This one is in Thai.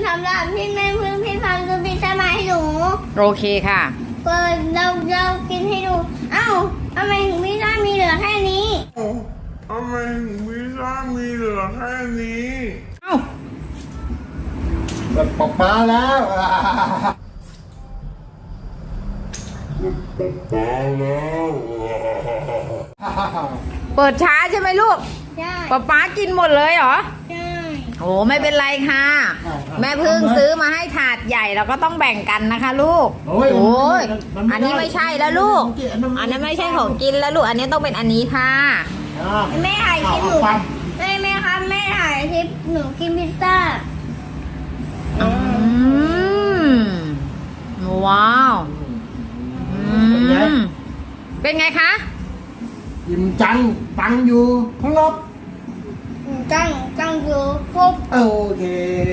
สำหรับพี่แม่พึ่งพี่ฟังซื้อพิซซ่ามาให้หนูโอเคค่ะเปิดเรากินให้ดูเอ้าทำไมถึงพิซซ่ามีเหลือแค่นี้ทำไมถึงพิซซ่ามีเหลือแค่นี้เอ้าเปิดปอกปลาแล้วมาแล้วเปิดช้าใช่ไหมลูกใช่ป๊ากินหมดเลยเหรอใช่โอ้ไม่เป็นไรค่ะ แม่พึ่งซื้อมาให้ถาดใหญ่เราก็ต้องแบ่งกันนะคะลูกโอ้ยอันนี้ไม่ใช่แล้วลูก อันนั้นไม่ใช่ของกินแล้วลูก อันนี้ต้องเป็นอันนี้ค่ะแม่ถ่ายคลิปหนูแม่ครับแม่ถ่ายคลิปหนูกินพิซซ่าอืมว้าวอืมเป็นไงคะยิ้มจังตังอยู่ข้างนอกจังอยู่ครบโอเค